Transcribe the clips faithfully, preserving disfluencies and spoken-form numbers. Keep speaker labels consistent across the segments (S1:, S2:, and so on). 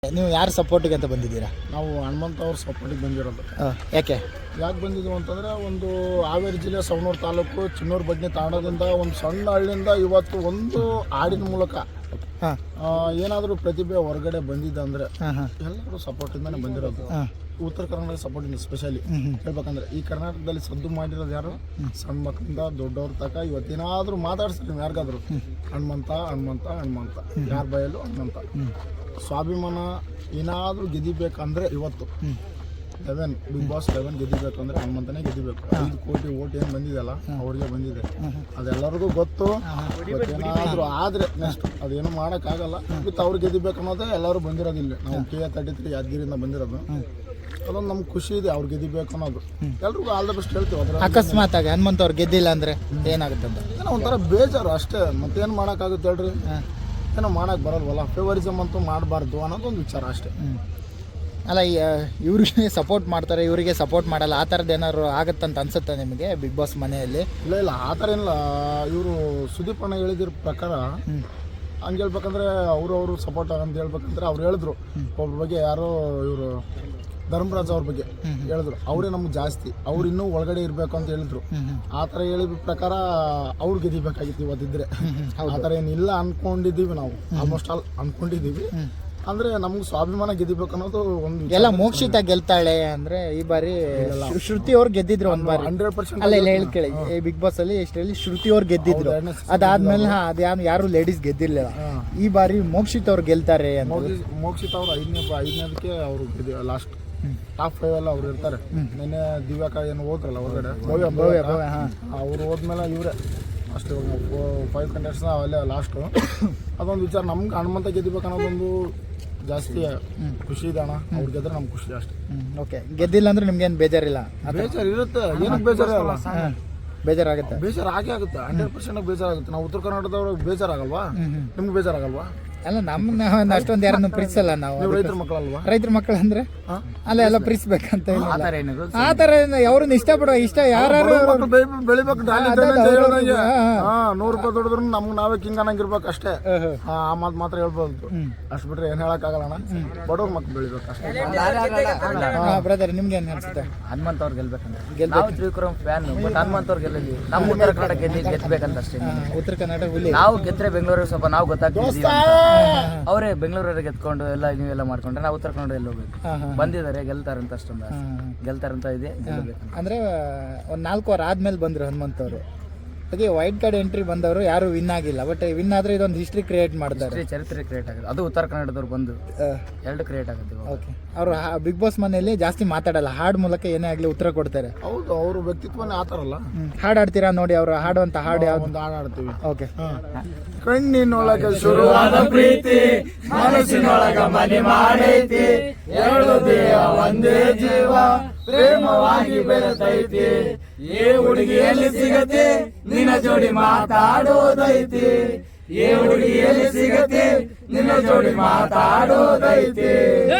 S1: ನೀವು ಯಾರು ಸಪೋರ್ಟಿಗೆ ಅಂತ ಬಂದಿದ್ದೀರಾ?
S2: ನಾವು ಹನುಮಂತ ಅವ್ರ ಸಪೋರ್ಟಿಗೆ ಬಂದಿರೋದು.
S1: ಯಾಕೆ
S2: ಯಾಕೆ ಬಂದಿದ್ವು ಅಂತಂದರೆ, ಒಂದು ಹಾವೇರಿ ಜಿಲ್ಲೆ ಸವಣೂರು ತಾಲೂಕು ಚಿನ್ನೂರು ಬಡ್ನಿ ತಾಂಡದಿಂದ ಒಂದು ಸಣ್ಣ ಹಳ್ಳಿಯಿಂದ ಇವತ್ತು ಒಂದು ಹಾಡಿನ ಮೂಲಕ ಏನಾದರೂ ಪ್ರತಿಭೆ ಹೊರಗಡೆ ಬಂದಿದ್ದೆ ಅಂದರೆ ಎಲ್ಲರೂ ಸಪೋರ್ಟಿಂದಾನೆ ಬಂದಿರೋದು. ಉತ್ತರ ಕರ್ನಾಟಕ ಸಪೋರ್ಟಿಂದ ಸ್ಪೆಷಲಿ ಹೇಳ್ಬೇಕಂದ್ರೆ, ಈ ಕರ್ನಾಟಕದಲ್ಲಿ ಸದ್ದು ಮಾಡಿರೋದು ಯಾರು? ಸಣ್ಣ ಮಕ್ಕಳಿಂದ ದೊಡ್ಡವ್ರ ತನಕ ಇವತ್ತೇನಾದರೂ ಮಾತಾಡ್ಸ್ರಿ ನೀವು ಯಾರಿಗಾದ್ರು, ಹನುಮಂತ ಹನುಮಂತ ಹನುಮಂತ ಯಾರ ಬಯಲು ಹನುಮಂತ. ಸ್ವಾಭಿಮಾನ ಏನಾದರೂ ಗೆದಿಬೇಕಂದ್ರೆ ಇವತ್ತು ಲೆವೆನ್ ಬಿಗ್ ಬಾಸ್ ಲೆವೆನ್ ಗೆದಿಬೇಕಂದ್ರೆ ಹನುಮಂತನೇ ಗೆದಿಬೇಕು. ಐದು ಕೋಟಿ ಓಟ್ ಏನು ಬಂದಿದೆಯಲ್ಲ ಅವ್ರಿಗೆ ಬಂದಿದೆ, ಅದೆಲ್ಲರಿಗೂ ಗೊತ್ತು. ಏನಾದರೂ ಆದರೆ ನೆಕ್ಸ್ಟ್ ಅದೇನು ಮಾಡೋಕ್ಕಾಗಲ್ಲ. ವಿತ್ ಅವ್ರು ಗೆದಿಬೇಕು ಅನ್ನೋದೇ ಎಲ್ಲರೂ ಬಂದಿರೋದಿಲ್ಲ. ನಾವು ಕೆ ಎ ತರ್ಟಿ ತ್ರೀ ಯಾದಗಿರಿಯಿಂದ ಬಂದಿರೋದು. ಅದೊಂದು ನಮ್ಗೆ ಖುಷಿ ಇದೆ ಅವ್ರು ಗೆದಿಬೇಕು ಅನ್ನೋದು. ಎಲ್ರಿಗೂ ಆಲ್ ದ ಬೆಸ್ಟ್ ಹೇಳ್ತೀವಿ. ಅದರ
S1: ಅಕಸ್ಮಾತ್ ಆಗಿ ಹನುಮಂತ ಅವ್ರು ಗೆದ್ದಿಲ್ಲ ಅಂದರೆ ಏನಾಗುತ್ತೆ ಅಂತ
S2: ಏನೋ ಒಂಥರ ಬೇಜಾರು ಅಷ್ಟೇ. ಮತ್ತೇನು ಮಾಡೋಕ್ಕಾಗುತ್ತೆ ಹೇಳ್ರಿ? ಏನೋ ಮಾಡೋಕ್ಕೆ ಬರಲ್ವಲ್ಲ. ಫೇವರಿಸಮ್ ಅಂತೂ ಮಾಡಬಾರ್ದು ಅನ್ನೋದೊಂದು ವಿಚಾರ ಅಷ್ಟೇ.
S1: ಅಲ್ಲ, ಇವ್ರಿಗೆ ಸಪೋರ್ಟ್ ಮಾಡ್ತಾರೆ, ಇವರಿಗೆ ಸಪೋರ್ಟ್ ಮಾಡಲ್ಲ, ಆ ಥರದ್ದು ಏನಾದ್ರು ಆಗುತ್ತಂತ ಅನ್ಸುತ್ತೆ ನಿಮಗೆ ಬಿಗ್ ಬಾಸ್ ಮನೆಯಲ್ಲಿ?
S2: ಇಲ್ಲ ಇಲ್ಲ ಆ ಥರ ಏನಿಲ್ಲ. ಇವರು ಸುದೀಪ್ ಅಣ್ಣ ಹೇಳಿದಿರೋ ಪ್ರಕಾರ ಹಂಗೆ ಹೇಳ್ಬೇಕಂದ್ರೆ ಅವರು ಅವರು ಸಪೋರ್ಟ್ ಅಂತ ಹೇಳ್ಬೇಕಂದ್ರೆ ಅವ್ರು ಹೇಳಿದ್ರು. ಒಬ್ಬರ ಬಗ್ಗೆ ಯಾರೋ ಇವರು ಧರ್ಮರಾಜ್ ಅವ್ರ ಬಗ್ಗೆ ಹೇಳಿದ್ರು, ಅವರೇ ನಮ್ಗೆ ಜಾಸ್ತಿ, ಅವ್ರು ಇನ್ನೂ ಒಳಗಡೆ ಇರಬೇಕು ಅಂತ ಹೇಳಿದ್ರು. ಆ ಥರ ಹೇಳಿದ ಪ್ರಕಾರ ಅವ್ರು ಗೆದಿಬೇಕಾಗಿತ್ತು ಇವತ್ತಿದ್ರೆ. ಆ ಥರ ಏನಿಲ್ಲ ಅನ್ಕೊಂಡಿದ್ದೀವಿ ನಾವು, ಆಲ್ಮೋಸ್ಟ್ ಆಲ್ ಅನ್ಕೊಂಡಿದ್ದೀವಿ. ಅಂದ್ರೆ ನಮ್ಗೆ ಸ್ವಾಭಿಮಾನ ಗೆದಿಬೇಕು ಅನ್ನೋದು ಒಂದು.
S1: ಎಲ್ಲ ಮೋಕ್ಷಿತ ಗೆಲ್ತಾಳೆ ಅಂದ್ರೆ ಈ ಬಾರಿ ಶ್ರುತಿ ಅವ್ರು ಗೆದ್ದಿದ್ರು ಒಂದ್ ಬಾರಿ.
S2: ಹಂಡ್ರೆಡ್ ಪರ್ಸೆಂಟ್
S1: ಅಲ್ಲ ಇಲ್ಲ ಹೇಳ್ಕೇಳಿ, ಬಿಗ್ ಬಾಸ್ ಅಲ್ಲಿ ಇಷ್ಟರಲ್ಲಿ ಶ್ರುತಿ ಅವ್ರು ಗೆದ್ದಿದ್ರು. ಅದಾದ್ಮೇಲೆ ಅದ್ಯಾರು ಯಾರು ಲೇಡೀಸ್ ಗೆದ್ದಿರ್ಲಿಲ್ಲ. ಈ ಬಾರಿ ಮೋಕ್ಷಿತ್ ಅವ್ರು ಗೆಲ್ತಾರೆ.
S2: ಮೋಕ್ಷಿತ್ ಅವ್ರು ಐದನೇ ಐದನೇದಕ್ಕೆ ಅವರು ಲಾಸ್ಟ್ ಟಾಪ್ ಫೈವ್ ಎಲ್ಲ ಅವ್ರು ಇರ್ತಾರೆ. ನಿನ್ನೆ ದಿವ್ಯಾಕ ಏನು ಹೋದ್ರಲ್ಲ ಹೊರಗಡೆ, ಅವ್ರು ಹೋದ್ಮೇಲೆ ಇವರೇ ಅಷ್ಟೇ ಫೈವ್ ಕಂಟೆಸ್ಟ್ನ ಅಲ್ಲೇ ಲಾಸ್ಟು. ಅದೊಂದು ವಿಚಾರ. ನಮ್ಗೆ ಹನುಮಂತ ಗೆದಿಬೇಕು ಅನ್ನೋದೊಂದು ಜಾಸ್ತಿ ಖುಷಿ ಇದೆ ಅಣ್ಣ. ಅವ್ರು ಗೆದ್ರೆ ನಮ್ಗೆ ಖುಷಿ ಅಷ್ಟೇ.
S1: ಓಕೆ, ಗೆದ್ದಿಲ್ಲ ಅಂದ್ರೆ ನಿಮ್ಗೇನು ಬೇಜಾರಿಲ್ಲ?
S2: ಬೇಜಾರು ಇರುತ್ತೆ, ಏನಕ್ಕೆ ಬೇಜಾರಲ್ಲ?
S1: ಬೇಜಾರಾಗುತ್ತೆ,
S2: ಬೇಜಾರು ಆಗೇ ಆಗುತ್ತೆ. ಹಂಡ್ರೆಡ್ ಪರ್ಸೆಂಟ್ ಬೇಜಾರಾಗುತ್ತೆ. ನಾವು ಉತ್ತರ ಕರ್ನಾಟಕದವ್ರಿಗೆ ಬೇಜಾರಾಗಲ್ವಾ? ನಿಮ್ಗೆ ಬೇಜಾರಾಗಲ್ವಾ?
S1: ಅಲ್ಲ, ನಮ್ಮನ್ನ ಅಷ್ಟೊಂದು ಯಾರನ್ನು ಪ್ರೀತಿಸಲ್ಲ ನಾವು.
S2: ರೈತರ ಮಕ್ಕಳಲ್ವಾ?
S1: ರೈತರ ಮಕ್ಕಳು ಅಂದ್ರೆ ಅಲ್ಲ ಎಲ್ಲ ಪ್ರೀತಿಸ್ಬೇಕಂತ ಆ ಥರ ಅವ್ರನ್ನ ಇಷ್ಟಪಡುವ ಇಷ್ಟ ಯಾರು
S2: ಬೆಳಿಬೇಕು. ನೂರು ರೂಪಾಯಿ ದುಡಿದ್ರು ನಮ್ಗೆ ನಾವೇ ಕಿಂಗ್ ಅನ್ನಂಗಿರ್ಬೇಕು ಅಷ್ಟೇ. ಆ ಮಾತು ಮಾತ್ರ ಹೇಳ್ಬೋದು. ಅಷ್ಟು ಬಿಟ್ರೆ ಏನ್ ಹೇಳಕ್ ಆಗಲ್ಲ. ಬಡವ್ರ ಮಕ್ಳು ಬೆಳಿಬೇಕು ಅಷ್ಟೇ.
S1: ಬ್ರದರ್, ನಿಮ್ಗೆ ಏನ್ ಅನ್ಸುತ್ತೆ?
S3: ಹನುಮಂತ ಅವ್ರು ಗೆಲ್ಬೇಕಂದ್ರೆ ನಾವು ತ್ರಿವಿಕ್ರಮ್ ಫ್ಯಾನ್, ಬಟ್ ಹನುಮಂತ ಅವ್ರು ಗೆಲ್ಲಲಿ. ನಮ್ಮ ಉತ್ತರ ಕನ್ನಡ ಗೆದ್ದು ಗೆದ್ಬೇಕಂತ ಅಷ್ಟೇ.
S1: ಉತ್ತರ ಕನ್ನಡ ಹುಲಿ
S3: ನಾವು ಗೆದ್ರೆ ಬೆಂಗಳೂರಿಗೆ ಸ್ವಲ್ಪ ನಾವು ಗೊತ್ತಾಗ್ತೀವಿ. ಅವರೇ ಬೆಂಗಳೂರಿಗೆ ಗೆದ್ಕೊಂಡು ಎಲ್ಲ ನೀವೆಲ್ಲ ಮಾಡ್ಕೊಂಡ್ರೆ ನಾವು ಉತ್ತರ ಕನ್ನಡ ಎಲ್ಲ ಹೋಗ್ಬೇಕು. ಬಂದಿದ್ದಾರೆ, ಗೆಲ್ತಾರಂತ ಅಷ್ಟೊಂದು ಗೆಲ್ತಾರಂತ ಇದೆ.
S1: ಅಂದ್ರೆ ಒಂದ್ ನಾಲ್ಕು ವಾರ ಆದ್ಮೇಲೆ ಬಂದ್ರು ಹನುಮಂತ ಅವರು. ಹಾಗೆ ವೈಟ್ ಕಾರ್ಡ್ ಎಂಟ್ರಿ ಬಂದವರು ಯಾರು ವಿನ್ ಆಗಿಲ್ಲ. ಬಟ್ ವಿನ್ ಆದ್ರೆ ಇದೊಂದು ಹಿಸ್ಟ್ರಿ ಕ್ರಿಯೇಟ್ ಮಾಡ್ತಾರೆ,
S3: ಚರಿತ್ರೆ ಕ್ರಿಯೇಟ್ ಆಗುತ್ತೆ. ಅದು ಉತ್ತರ ಕನ್ನಡದವ್ರು ಬಂದು ಎರಡು ಕ್ರಿಯೇಟ್ ಆಗುತ್ತೆ.
S1: ಓಕೆ, ಅವರು ಬಿಗ್ ಬಾಸ್ ಮನೆಯಲ್ಲಿ ಜಾಸ್ತಿ ಮಾತಾಡಲ್ಲ, ಹಾಡ್ ಮೂಲಕ ಏನೇ ಆಗ್ಲಿ ಉತ್ತರ ಕೊಡ್ತಾರೆ.
S2: ಹೌದು, ಅವ್ರ ವ್ಯಕ್ತಿತ್ವನೇ ಆತಾರಲ್ಲ.
S1: ಹಾಡು ಆಡ್ತೀರಾ ನೋಡಿ, ಅವರು ಹಾಡುವಂತ ಹಾಡು ಯಾವ್ದು?
S2: ಒಂದು ಹಾಡು ಆಡ್ತೀವಿ.
S1: ಓಕೆ.
S2: ಕಣ್ಣಿನೊಳಗೆ ಶುರುವಾದ ಪ್ರೀತಿ, ಮನಸ್ಸಿನೊಳಗ ಮನೆ ಮಾಡೈತಿ, ಎರಡು ದೇಹ ಒಂದೇ ಜೀವ ಪ್ರೇಮವಾಗಿ ಬೆರೆತೈತಿ, ಏ ಹುಡುಗಿಯಲ್ಲಿ ಸಿಗತಿ ನಿನ್ನ ಜೋಡಿ ಮಾತಾಡೋದೈತಿ, ಏ ಹುಡುಗಿಯಲ್ಲಿ ಸಿಗತಿ ನಿನ್ನ ಜೋಡಿ ಮಾತಾಡೋದೈತಿ.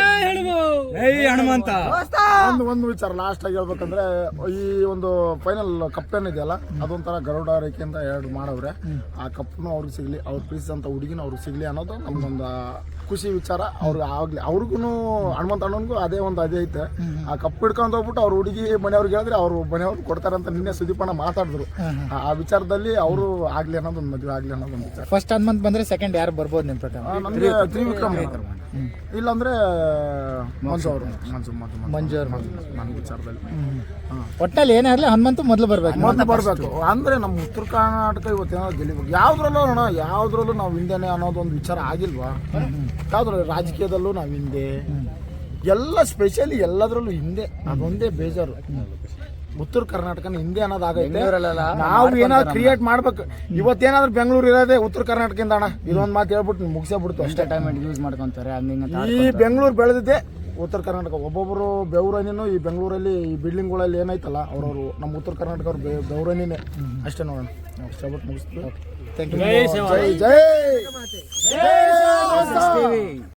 S1: ಹನುಮಂತ
S2: ಒಂದು ಒಂದು ವಿಚಾರ ಲಾಸ್ಟ್ ಆಗಿ ಹೇಳ್ಬೇಕಂದ್ರೆ, ಈ ಒಂದು ಫೈನಲ್ ಕಪ್ ಏನಿದೆಯಲ್ಲ ಅದೊಂಥರ ಗರುಡ ರೇಖೆಯಿಂದ ಎರಡು ಮಾಡವ್ರೆ. ಆ ಕಪ್ನು ಅವ್ರಿಗೆ ಸಿಗ್ಲಿ, ಅವ್ರು ಪ್ರೀತಿಸಂತ ಹುಡುಗಿನ ಅವ್ರಿಗೆ ಸಿಗ್ಲಿ ಅನ್ನೋದು ನಮ್ಗೊಂದು ಖುಷಿ ವಿಚಾರ. ಅವ್ರಿಗೆ ಆಗ್ಲಿ, ಅವ್ರಿಗೂ ಹನುಮಂತ ಅಣ್ಣನ್ಗೂ ಅದೇ ಒಂದು ಅದೇ ಐತೆ. ಆ ಕಪ್ ಹಿಡ್ಕೊಂಡು ಹೋಗ್ಬಿಟ್ಟು ಅವ್ರ ಹುಡುಗಿ ಮನೆಯವ್ರಿಗೆ ಹೇಳಿದ್ರೆ ಅವ್ರು ಮನೆಯವ್ರು ಕೊಡ್ತಾರಂತ ನಿನ್ನೆ ಸುದೀಪಣ್ಣ ಮಾತಾಡಿದ್ರು. ಆ ವಿಚಾರದಲ್ಲಿ ಅವರು ಆಗ್ಲಿ ಅನ್ನೋದೊಂದು ಮದುವೆ ಆಗ್ಲಿ ಅನ್ನೋದೊಂದು ವಿಚಾರ.
S1: ಫಸ್ಟ್ ಹನುಮಂತ್ ಬಂದ್ರೆ ಸೆಕೆಂಡ್ ಯಾರು ಬರ್ಬೋದು ನಿಮ್ ಪ್ರಕಾರ?
S2: ನಮಗೆ ತ್ರಿವಿಕ್ರಮ್, ಇಲ್ಲಾಂದ್ರೆ ಮಂಜು ಅವರು. ಮಂಜು
S1: ಮಂಜು ಅವ್ರು
S2: ನನ್ನ ವಿಚಾರದಲ್ಲಿ
S1: ಒಟ್ಟಲ್ಲಿ ಏನೇ ಆಗ್ಲಿ ಹನುಮಂತ ಮೊದಲು ಬರ್ಬೇಕು,
S2: ಮೊದಲು ಬರ್ಬೇಕು. ಅಂದ್ರೆ ನಮ್ಮ ಉತ್ತರ ಕರ್ನಾಟಕ ಇವತ್ತೇನಾದ್ರು ಗೆಲ್ಲಿಬೇಕು. ಯಾವ್ದ್ರಲ್ಲೂ ಅಣ್ಣ, ಯಾವ್ದ್ರಲ್ಲೂ ನಾವು ಹಿಂದೆನೆ ಅನ್ನೋದೊಂದು ವಿಚಾರ ಆಗಿಲ್ವಾ? ಯಾವ್ದ್ರಲ್ಲೂ ರಾಜಕೀಯದಲ್ಲೂ ನಾವು ಹಿಂದೆ, ಎಲ್ಲ ಸ್ಪೆಷಲಿ ಎಲ್ಲದ್ರಲ್ಲೂ ಹಿಂದೆ. ಅದೊಂದೇ ಬೇಜಾರು. ಉತ್ತರ ಕರ್ನಾಟಕನ ಹಿಂದೆ ಅನ್ನೋದಾಗೈತೆ. ನಾವು ಏನಾದ್ರು ಕ್ರಿಯೇಟ್ ಮಾಡ್ಬೇಕು. ಇವತ್ತೇನಾದ್ರು ಬೆಂಗಳೂರು ಇರೋದೇ ಉತ್ತರ ಕರ್ನಾಟಕದಿಂದ ಅಣ್ಣ. ಇದೊಂದು ಮಾತು ಹೇಳ್ಬಿಟ್ಟು ಮುಗಿಸೇ ಬಿಡ್ತು ಅಷ್ಟೇ.
S3: ಯೂಸ್ ಮಾಡ್ಕೊಂತಾರೆ.
S2: ಈ ಬೆಂಗಳೂರು ಬೆಳೆದಿದ್ದೆ ಉತ್ತರ ಕರ್ನಾಟಕ. ಒಬ್ಬೊಬ್ಬರು ಬೆವರನಿನೂ ಈ ಬೆಂಗಳೂರಲ್ಲಿ ಈ ಬಿಲ್ಡಿಂಗ್ಗಳಲ್ಲಿ ಏನೈತಲ್ಲ ಅವ್ರವರು ನಮ್ಮ ಉತ್ತರ ಕರ್ನಾಟಕ ಅವ್ರು ಬೆವರನಿನೇ ಅಷ್ಟೇ. ನೋಡೋಣ, ಅಷ್ಟೇ ಬಿಟ್ಟು ಮುಗಿಸ್ತೀವಿ.
S1: Thank you.
S2: Jai Jai Jai.